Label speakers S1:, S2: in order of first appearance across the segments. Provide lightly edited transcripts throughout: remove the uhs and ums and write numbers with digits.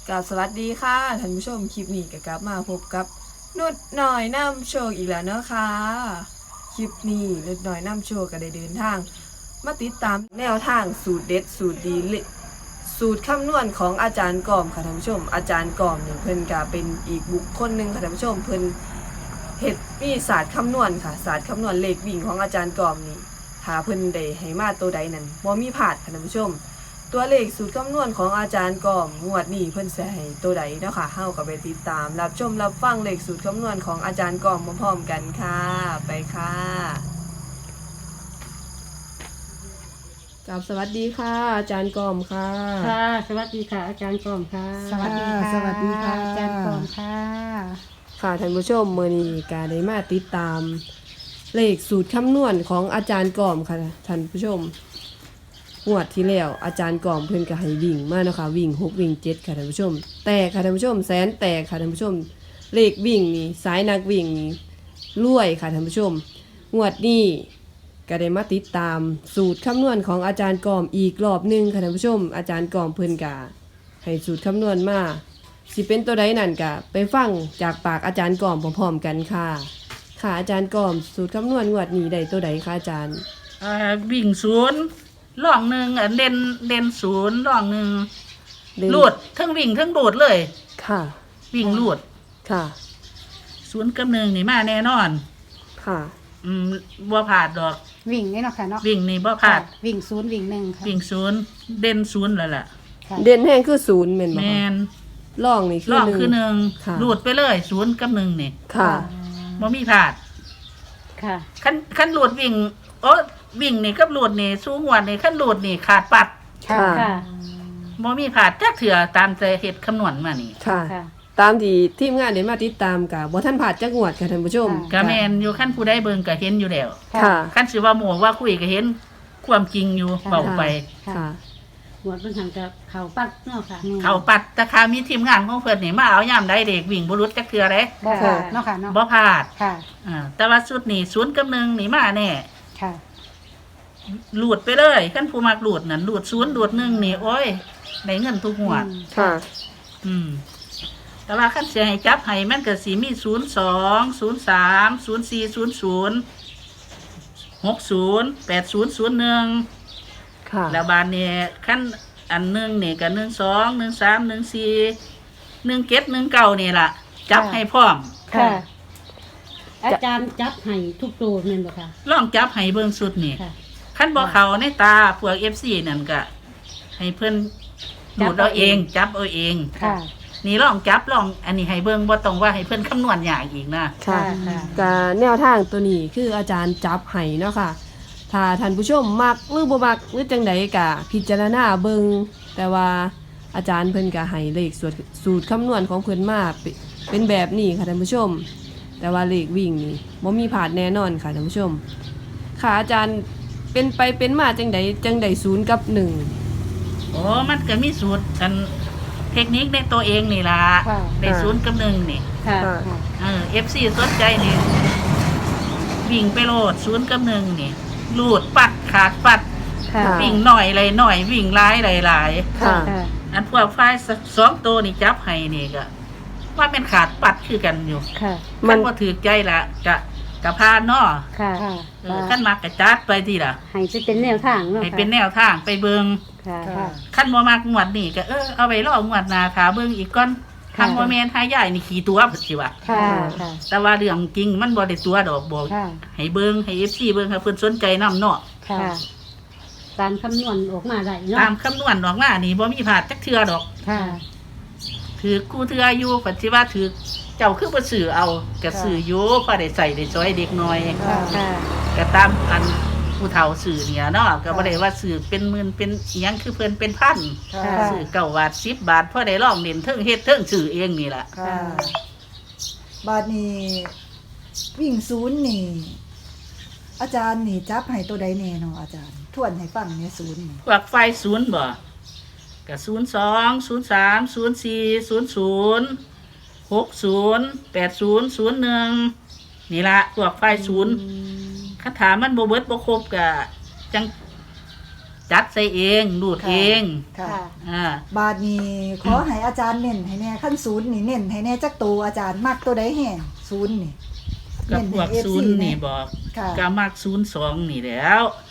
S1: กับสวัสดีค่ะท่านผู้ชมคลิปนี้ก็กลับมาพบกับนุดหน่อยนำโชคอีกแล้วเนาะค่ะคลิปนี้นุดหน่อยนำโชคก็ได้เดินทางมาติดตามแนวทางสูตรเด็ดสูตรดีสูตรคำนวณของอาจารย์กอมค่ะท่านผู้ชมอาจารย์กอมเนี่ยเพิ่นก็เป็นอีกบุคคลหนึ่งค่ะท่านผู้ชมเพิ่นเฮ็ดมีศาสตร์คำนวณค่ะศาสตร์คำนวณเลขวิ่งของอาจารย์กอมนี่ถ้าเพิ่นได้ให้มาตัวใดนั้นบ่มีพลาดค่ะท่านผู้ชมตัวเลขสูตรคำนวณของอาจารย์กอมงวดนี้เพิ่นสิให้ตัวใดเนาะค่ะเฮาก็ไปติดตามรับชมรับฟังเลขสูตรคำนวณของอาจารย์กอมพร้อมๆกันค่ะไปค่ะกับสวัสดีค่ะอาจารย์กอมค่ะ
S2: ค่ะสวัสดีค่ะ อาจารย์กอมค่ะ
S3: สวัสดีค่ะ
S2: สวัสดีค่ะ อาจารย์กอมค่ะ
S1: ค่ะท่านผู้ชมมื้อนี้ก็ได้มาติดตามเลขสูตรคำนวณของอาจารย์กอมค่ะท่านผู้ชมงวดที่แล้วอาจารย์กอมเพิ่นก็ให้วิ่งมาเนาะค่ะวิ่ง6วิ่ง7ค่ะท่านผู้ชมแต่ค่ะท่านผู้ชมแสนแตกค่ะท่านผู้ชมเลขวิ่งนี่สายนักวิ่งนี่รวยค่ะท่านผู้ชมงวดนี้ก็ได้มาติดตามสูตรคำนวณของอาจารย์กอมอีกรอบหนึงค่ะท่านผู้ชมอาจารย์กอมเพิ่นก็ให้สูตรคำนวณมาสิเป็นตัวใดนั่นก็ไปฟังจากปากอาจารย์กอมพร้อมๆกันค่ะค่ะอาจารย์กอมสูตรคำนวณงวดนี้ได้ตัวใดคะอาจารย์
S2: วิ่งศูนย์ล่องหนึ่งเด่นศูนย์ล่องหนึ่ง
S1: เด่น
S2: ลูดทั้งวิ่งทั้งโดดเลย
S1: ค่ะ
S2: วิ่งลูด
S1: ค่ะ
S2: ศูนย์กับหนึ่งนี่มาแน่นอน
S1: ค่ะ
S2: บ่ผ่าดดอก
S3: วิ่งนี่เนาะค่ะเนาะ
S2: วิ่งนี่บ่ผ่าด
S3: วิ่งศูนย์วิ่งหนึ่งค่ะ
S2: วิ่งศูนย์เด่นศูนย์แล้วล่ะ
S3: ค่ะ
S1: เด่นแห้งคือศูนย์แม่น
S2: แม
S1: บ่คะ
S2: น
S1: ล่องนี่คือ
S2: ล่อง
S1: หนึ่ง
S2: คือหนึ่ง
S1: ค่ะ
S2: ลูดไปเลยศูนย์กับหนึ่งนี่
S1: ค่ะ
S2: บ่มีผ่าด
S3: ค่ะ
S2: ขั้นลูดวิ่งโอ้วิ่งนี่กับลูดนี่สู้งวดนี่ขั้นลูดนี่ขาดปัด
S1: ค่ะ
S3: ค่ะ
S2: บ่มีผ่าดจักเถื่อตามใจเฮ็ดคำนวณมานี่
S1: ค่ะ
S3: ค่ะ
S1: ตามที่ทีมงานได้มาติดตามกับบ่ท่านผ่านจักงวดค่ะท่านผู้ชม
S2: ก็แม่นอยู่ขั้นผู้ใดเบิ่งก็เห็นอยู่แล้ว
S1: ค่ะ
S2: ขั้นสิว่าหมู่ว่าคุยก็เห็นความจริงอยู่
S3: ค่ะ
S2: เบาไป
S1: ค่ะ
S3: หมวดเพิ่นหันกับเขาปัดเนาะค่ะ
S2: เขาปัดแตะคามีทีมงานของเพิ่นนี่มาเอายามใดเด็กวิ่งบ่รุดจักเทื่อเด้
S3: บ่ค่ะเนาะค่ะเนาะ
S2: บ่พลาด
S3: ค่ะ
S2: แต่ว่าสุดนี่ศูนย์กับหนึ่งนี่มาแน่
S3: ค่ะ
S2: หลุดไปเลยขั้นผู้มักหลุดนั่นหลุดศูนย์หลุดหนึ่งนี่โอ้ยได้เงินทุกงวด
S1: ค่ะ
S2: แต่ว่าขั้นเสียให้จับให้มันก็สิมี02 03 04 00 60 80 01
S1: ค่ะ
S2: แล้วบานเนี่ยขั้นอันหนึ่งเนี่ยก็12 13 14 17 19นี่ล่ะ จับให้พร้อม
S3: ค่ะ อาจารย์จับให้ทุกตัวแม่นบ่ค่ะ
S2: ลองจับให้เบิ่งสุดนี่
S3: ค่ะ
S2: ขั้นบ่เขาในตาพวก FC นั่นก็ให้เพิ่นดูดเอาเองจับเอาเอง
S3: ค่ะ
S2: นี่ลองจับลองอันนี้ให้เบิ่งบ่ต้องว่าให้เพิ่นคำนวณยากอีกนะ
S1: ค่ะ
S3: ค่ะ
S1: ก็แนวทางตัวนี้คืออาจารย์จับให้เนาะค่ะ ถ้าท่านผู้ชมมักหรือบ่มักหรือจังใดก็พิจารณาเบิ่งแต่ว่าอาจารย์เพิ่นก็ให้เลขสูตรคำนวณของเพิ่นมาเป็นแบบนี้ค่ะท่านผู้ชม แต่ว่าเลขวิ่งนี่บ่มีผาดแน่นอนค่ะท่านผู้ชม ค่ะอาจารย์เป็นไปเป็นมาจังใดศูนย์กับหนึ่ง
S2: โอ้มันก็มีสูตรอันเทคนิคในตัวเองนี่ล่ะ
S3: ค่ะ
S2: ได้ศูนย์กับหนึ่งนี่
S3: ค่ะ
S2: FC สนใจนี่วิ่งไปโลดศูนย์กับหนึ่งนี่ลูดปัดขาดปัด
S3: ค่ะ
S2: วิ่งหน่อยเลยหน่อยวิ่งหลายหลาย
S1: ค่ะ
S3: ค่ะ
S2: อันพวกฝ่ายสองตัวนี่จับให้นี่ก็ว่าเป็นขาดปัดคือกันอยู่
S3: ค่ะ
S1: มั
S2: มัน นบ่ถือใจละกะพานเนาะ
S3: ค่ะ
S2: ขั้นมักกะจัดไปทีละ
S3: ให้จะเป็นแนวทางเนาะ
S2: ให้เป็นแนวทางไปเบิง
S3: ค่ะค่ะ
S2: ขั้นบ่มักงวดนี่ก็เอาไว้รองวดหน้าถาเบิงอีกก่อน
S3: ค่ะ
S2: ทางบ่แม่นหายายนี่ขี่ตัวพุ่นสิว่า
S3: ค่ะ ค่ะ
S2: แต่ว่าเรื่องจริงมันบ่ได้ตัวดอกบอก
S3: ค่ะ
S2: ให้เบิงให้ FC เบิงให้เพิ่นสนใจนํเนาะ
S3: ค่ะตามคำนวณออกมาได้เนาะ
S2: ตามคำนวณออกมานี่บ่มีพลาดจักเทื่อดอก
S3: ค่ะ
S2: ถือกูเทื่ออยู่ปัจจุบันถือเจ้าคือบ่ซื้อเอาก็ซื้ออยู่พอได้ใส่ได้ซอยเด็กน้อย
S3: ค่ะ ค่ะ
S2: ก็ตามอันผู้เฒ่าสื่อเนี่ยเนาะก็บ่ได้ว่าสื่อเป็นหมื่นเป็นอิหยังคือเพิ่นเป็นพัน
S3: ค่ะ
S2: สื่อ9 บาท10 บาทพอได้ลองเล่นเทิงเฮ็ดเทิงสื่อเองนี่ล่ะ
S4: ค่ะบาดนี้วิ่งศูนย์นี่ อาจารย์นี่จับให้ตัวใดแน่เนาะอาจารย์ทวนให้ฟังเนี่ยศูนย์นี่
S2: พวกไฟศูนย์บ่ก็02 03 04 00 60 80 01นี่ล่ะพวกไฟศูนย์คาถามันบ่เบิดบ่ครบก็จังจจัดใส่เองรูด
S4: ค่ะ
S2: เอง
S4: ค่ะ
S2: อ่า
S4: บาทนี้ขอให้อาจารย์เน้นให้แน่ขั้นศูนย์นี่เน้นให้แน่จักตัวอาจารย์มักตัวใดแห่งศูนย์นี่
S2: กับพวก
S4: เน้นให้
S2: ศู
S4: FC
S2: นย์นี่บอก
S4: ค่ะ
S2: ก็มัก02นี่แหล้ว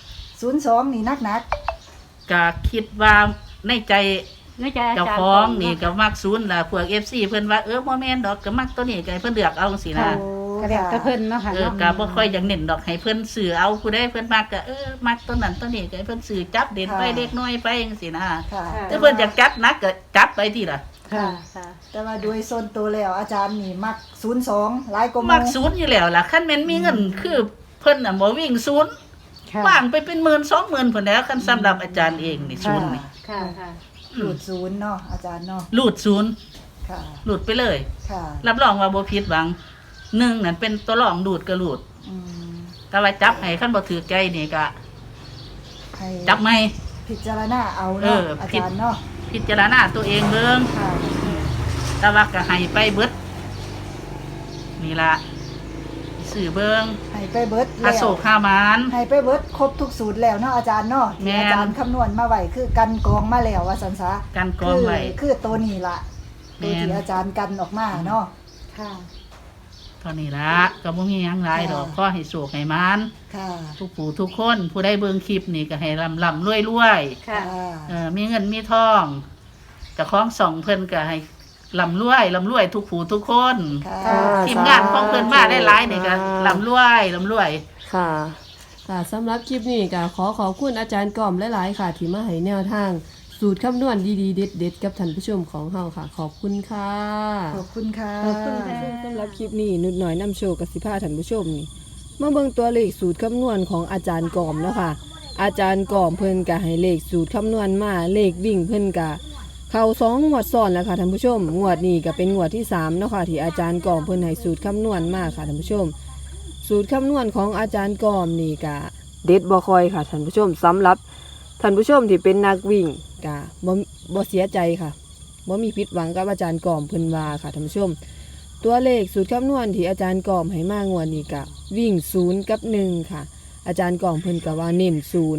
S4: 02นี่นัก
S2: ก็คิดว่าในใจ
S3: ในใจอา
S2: เจ้า
S3: จารย์
S2: ของนี่
S3: ก่
S2: ก็
S3: อนเนาะ
S2: มักศูนย์ล่ะพวก FC เพิ่นว่าบ่แม่นดอกก็มักตัวนี้ก็ให้เพิ่นเลือกเอาจังซี่
S4: ๆ
S2: นะ
S4: โอ้
S3: ก็แล้วแต่เพิ่นเนาะค่ะ
S2: ก็
S3: เนาะ
S2: บ่ค่อยอยากเน้นดอกให้เพิ่นซื้อเอาผู้ใดเพิ่นมักก็มักตัวนั้นตัวนี้ก็ให้เพิ่นซื้อจับเด่นไปเล็กน้อยไปจังซี่นะ
S4: ค่ะ
S2: ถ้าเพิ่นอยากจับนักก็จับไปทีล่ะ
S3: ค่ะค่ะ
S4: แต่ว่าโดยส่วนตัวแล้วอาจารย์นี่มัก02หลายกว่าห
S2: มัก
S4: มู่
S2: ศูนย์อยู่แล้วล่ะคันแม่นมีเงินคือเพิ่นน่ะบ่วิ่งศูนย์
S3: ค่ะ
S2: ว่างไปเป็นหมื่น20,000พุ่นแล้วคันสำหรับอาจารย์เองนี่ศูนย์นี่
S3: ค่ะค่ะ
S4: หลุดศูนย์เนาะอาจารย์เนาะ
S2: รูดศูนย์
S4: ค่ะ
S2: รูดไปเลย
S4: ค่ะ
S2: รับรองว่าบ่ผิดหวังหนึ่งนั่นเป็นตัวรองรูดก็รูด
S4: อืม
S2: แต่ว่าจับให้คันบ่ถือใจนี่ก็
S4: ให้
S2: จับไม่
S4: พิจารณาเอาเนาะ
S2: อา
S4: จารย์เนาะ
S2: พิจารณาตัวเองเบิ่ง
S4: ค่ะ
S2: แต่ว่าก็ให้ไปเบิดนี่ล่ะสื่อเบิ่ง
S4: ให้ไปเบิด
S2: อา
S4: แล้ว
S2: โศกห้ามาน
S4: ให้ไปเบิดครบทุกสูตรแล้วเนาะอาจารย์เนาะ
S2: แม่
S4: ที่
S2: น
S4: อาจารย์คำนวณมาไว้คือกันกองมาแล้วว่าสันซะ
S2: กันกองไว้
S4: คือตัวนี้ล่ะ
S2: แม่
S4: ตัวน ที่อาจารย์กันออกมาเนาะ
S3: ค่ะ
S2: เท่านี้ละก็บ่มีหยังหลายดอก
S4: ค่ะ
S2: ขอให้โศกให้มาน
S4: ค่ะ
S2: ทุกผู้ทุกคนผู้ได้เบิ่งคลิปนี่ก็ให้ร่ำรวย
S3: ค่ะ
S2: มีเงินมีทองเจ้าของส่องเพิ่นก็ให้ร่ำรวยทุกผู้ทุกคน
S4: ค่ะ
S1: ค่ะ
S2: ทีมงานของเพิ่นมาได้หลายนี่ก็ร่ำรวย
S1: ค่ะค่ะสำหรับคลิปนี้ก็ขอบคุณอาจารย์กอมหลายๆค่ะ ที่มาให้แนวทาง สูตรคำนวณดีๆเด็ดๆกับท่านผู้ชมของเฮาค่ะ ขอบคุณค่ะ
S4: ขอบคุณค่ะ
S3: ขอบคุณค่ะ
S1: สำหรับคลิปนี้นุดหน่อยนำโชคกับสิพาท่านผู้ชมนี่มาเบิ่งตัวเลขสูตรคำนวณของอาจารย์กอมแล้วค่ะ อาจารย์กอมเพิ่นก็ให้เลขสูตรคำนวณมาเลขวิ่งเพิ่นก็เข้า2 งวดซ้อนแล้วค่ะท่านผู้ชมงวดนี้ก็เป็นงวดที่3เนาะค่ะที่อาจารย์กอมเพิ่นให้สูตรคำนวณมาค่ะท่านผู้ชม สูตรคำนวณของอาจารย์กอมนี่ก็เด็ดบ่คอยค่ะท่านผู้ชมสำหรับท่านผู้ชมที่เป็นนักวิ่งก็บ่เสียใจค่ะบ่มีผิดหวังกับอาจารย์กอมเพิ่นว่าค่ะท่านผู้ชม ตัวเลขสูตรคำนวณที่อาจารย์กอมให้มางวดนี้ก็วิ่ง0กับ1ค่ะ อาจารย์กอมเพิ่นก็ว่าเน้น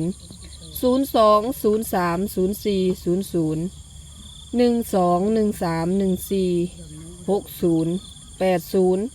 S1: 0 02 03 04 00 12 13 14 60 80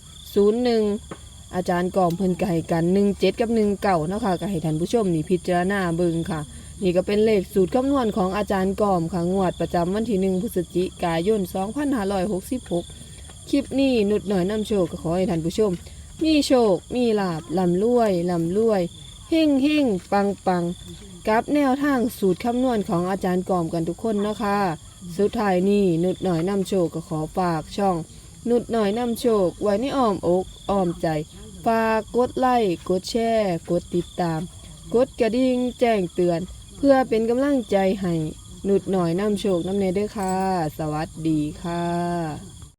S1: 01 อาจารย์กอมเพิ่นก็ให้กัน17กับ19เนาะค่ะก็ให้ท่านผู้ชมนี่พิจารณาเบิ่งค่ะ นี่ก็เป็นเลขสูตรคำนวณของอาจารย์กอมค่ะงวดประจำวันที่1พฤศจิกายน2566 คลิปนี้นุดหน่อยนำโชคก็ขอให้ท่านผู้ชม มีโชค มีลาบลำรวยเฮ่งเฮ่งปังปังกับแนวทางสูตรคำนวณของอาจารย์กอมกันทุกคนนะคะสุดท้ายนี้นุดหน่อยนำโชคก็ขอฝากช่อง นุดหน่อยนำโชคไว้ในอ้อมอกอ้อมใจ ฝากกดไลค์กดแชร์กดติดตาม กดกระดิ่งแจ้งเตือน เพื่อเป็นกำลังใจให้นุดหน่อยนำโชคนำเนเด้อค่ะ สวัสดีค่ะ